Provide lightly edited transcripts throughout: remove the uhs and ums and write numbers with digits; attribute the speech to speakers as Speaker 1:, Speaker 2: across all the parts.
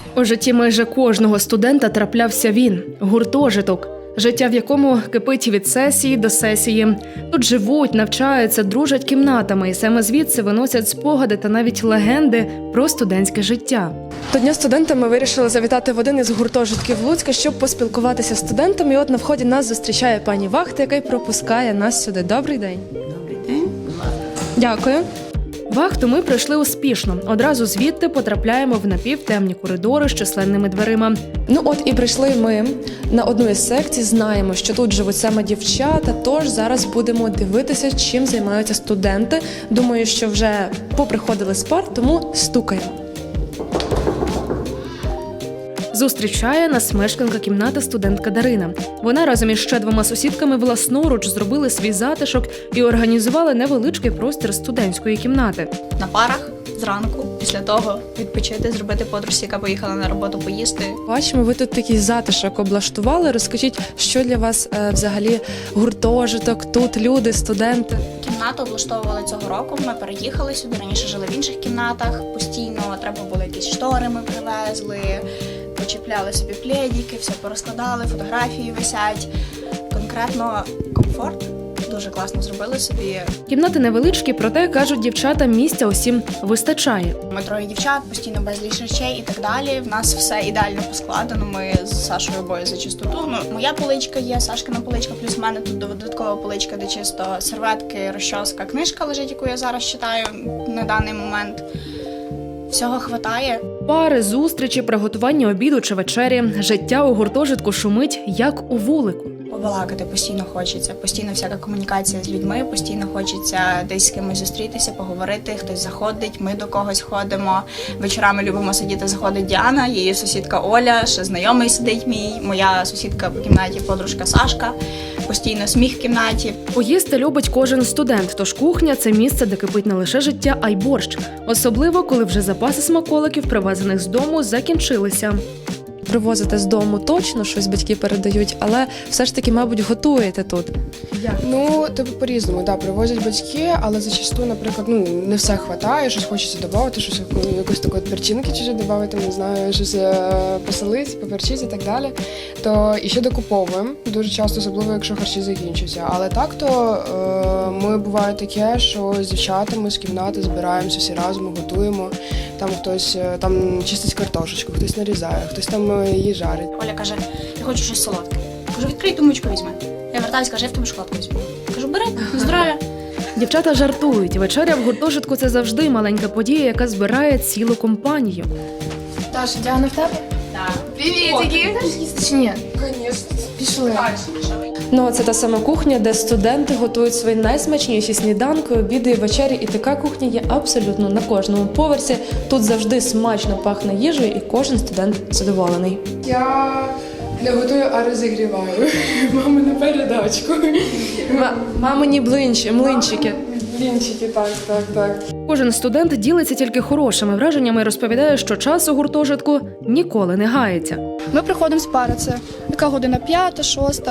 Speaker 1: У житті майже кожного студента траплявся він – гуртожиток. Життя, в якому кипить від сесії до сесії. Тут живуть, навчаються, дружать кімнатами. І саме звідси виносять спогади та навіть легенди про студентське життя.
Speaker 2: До Дня студента ми вирішили завітати в один із гуртожитків Луцька, щоб поспілкуватися з студентами. І от на вході нас зустрічає пані вахта, яка й пропускає нас сюди. Добрий день.
Speaker 3: Добрий день.
Speaker 2: Дякую.
Speaker 1: Вахту ми пройшли успішно. Одразу звідти потрапляємо в напівтемні коридори з численними дверима.
Speaker 2: Ну от і прийшли ми на одну із секцій. Знаємо, що тут живуть саме дівчата, тож зараз будемо дивитися, чим займаються студенти. Думаю, що вже поприходили з пар, тому стукаємо.
Speaker 1: Зустрічає нас мешканка кімнати студентка Дарина. Вона разом із ще 2 сусідками власноруч зробили свій затишок і організували невеличкий простір студентської кімнати.
Speaker 4: На парах зранку, після того відпочити, зробити подружці, яка поїхала на роботу поїсти.
Speaker 2: Бачимо, ви тут такий затишок облаштували. Розкажіть, що для вас взагалі гуртожиток, тут люди, студенти?
Speaker 4: Кімнату облаштовували цього року, ми переїхали сюди, раніше жили в інших кімнатах, постійно треба було якісь штори ми привезли, почіпляли собі пледики, все порозкладали, фотографії висять. Конкретно комфорт. Дуже класно зробили собі.
Speaker 1: Кімнати невеличкі, проте, кажуть дівчата, місця усім вистачає.
Speaker 4: Ми 3 дівчат, постійно безліч речей і так далі. В нас все ідеально поскладено. Ми з Сашою обоє за чистоту. Моя поличка є, Сашкина поличка, плюс в мене тут додаткова поличка, де чисто серветки, розчоска, книжка лежить, яку я зараз читаю на даний момент. Всього хватає.
Speaker 1: Пари, зустрічі, приготування обіду чи вечері. Життя у гуртожитку шумить, як у вулику.
Speaker 4: Побалакати постійно хочеться, постійно всяка комунікація з людьми, постійно хочеться десь з кимось зустрітися, поговорити, хтось заходить, ми до когось ходимо. Вечорами любимо сидіти, заходить Діана, її сусідка Оля, ще знайомий сидить мій, моя сусідка по кімнаті, подружка Сашка, постійно сміх в кімнаті.
Speaker 1: Поїсти любить кожен студент, тож кухня – це місце, де кипить не лише життя, а й борщ. Особливо, коли вже запаси смаколиків, привезених з дому, закінчилися.
Speaker 2: Привозите з дому точно, щось батьки передають, але все ж таки, мабуть, готуєте тут.
Speaker 5: Ну, по-різному, да, привозять батьки, але зачасту, наприклад, не все хватає, щось хочеться додати, щось якусь таку перчинки чужі додати, не знаю, щось посолити, поперчити і так далі. То і ще докуповуємо дуже часто, особливо якщо харчі закінчуються. Але так то ми буває таке, що з дівчатами з кімнати збираємося всі разом, готуємо. Там хтось там чистить картошечку, хтось нарізає, хтось там її жарить.
Speaker 4: Оля каже, я хочу щось солодке. Кажу, відкрий тумбочку, візьми. Я вертаюся, каже, я в тебе шоколадку візьму. Кажу, бери, здоров'я.
Speaker 1: Дівчата жартують. Вечеря в гуртожитку – це завжди маленька подія, яка збирає цілу компанію.
Speaker 6: Даша, Діана в тебе?
Speaker 4: Так.
Speaker 6: Привітики! Чи ні?
Speaker 5: Звісно.
Speaker 6: Пішли.
Speaker 2: Ну, це та сама кухня, де студенти готують свої найсмачніші сніданки, обіди і вечері. І така кухня є абсолютно на кожному поверсі. Тут завжди смачно пахне їжею і кожен студент задоволений.
Speaker 5: Я не готую, а розігріваю. Мами на передачку.
Speaker 2: Мамині млинчики.
Speaker 5: Блінчики, так.
Speaker 1: Кожен студент ділиться тільки хорошими враженнями і розповідає, що час у гуртожитку ніколи не гається.
Speaker 6: Ми приходимо з пари, це яка година 5, 6.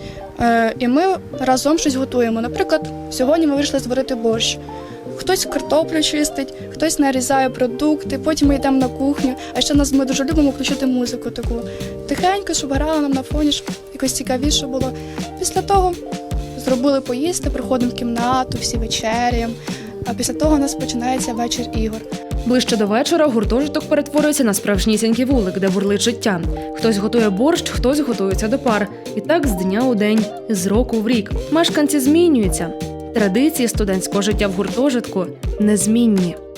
Speaker 6: І ми разом щось готуємо. Наприклад, сьогодні ми вирішили зварити борщ. Хтось картоплю чистить, хтось нарізає продукти, потім ми йдемо на кухню. А ще ми дуже любимо включити музику таку. Тихенько, щоб грала нам на фоні, щоб якось цікавіше було. Після того зробили поїсти, приходимо в кімнату, всі вечеряємо. А після того у нас починається вечір ігор.
Speaker 1: Ближче до вечора гуртожиток перетворюється на справжнісінький вулик, де бурлить життя. Хтось готує борщ, хтось готується до пар. І так з дня у день, з року в рік. Мешканці змінюються. Традиції студентського життя в гуртожитку незмінні.